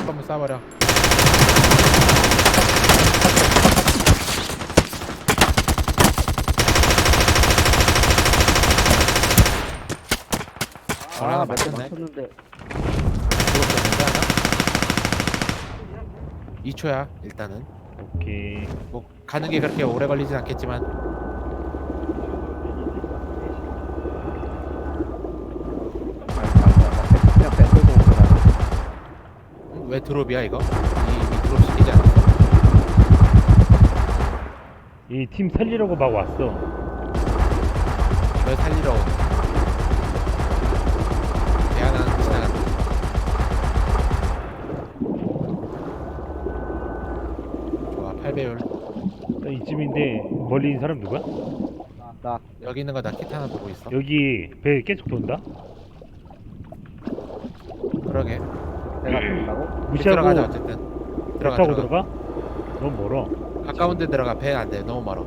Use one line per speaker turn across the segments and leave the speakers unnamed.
거면 쏴버려. 하나 맞췄네.
맞췄는데
2초야 일단은.
오케이.
뭐 가는 게 그렇게 오래 걸리진 않겠지만.
그냥 뺏고 온 거야.
왜 드롭이야 이거? 이 드롭 시키지 않았어?
이 팀 살리려고 막 왔어.
왜 살리러 오는? 배 하나 지나간다. 좋아 8배율.
나 이쯤인데 멀리 있는 사람 누구야?
나
여기 있는 거 나 키트 하나 보고 있어.
여기 배 계속 돈다?
그러게.
내가 된다고?
무시하고
들어가자 어쨌든.
배
들어가
타고
들어가.
들어가? 너무 멀어.
가까운 데 들어가. 배 안 돼. 너무 멀어.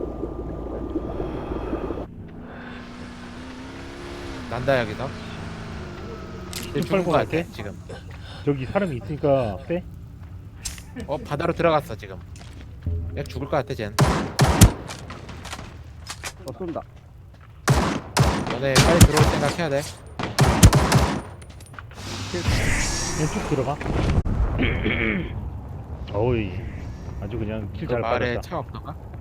난다 여기서.
좀
죽은 거
빨고
같아
갈게.
지금.
저기 사람이 있으니까 빼?
바다로 들어갔어 지금. 야 죽을 것 같아 쟨.
쏜다.
너네 빨리 들어올 생각 해야 돼.
그냥 쭉 들어가. 어이 아주 그냥 킬
그
잘
마을에
받았다.
차 없던가?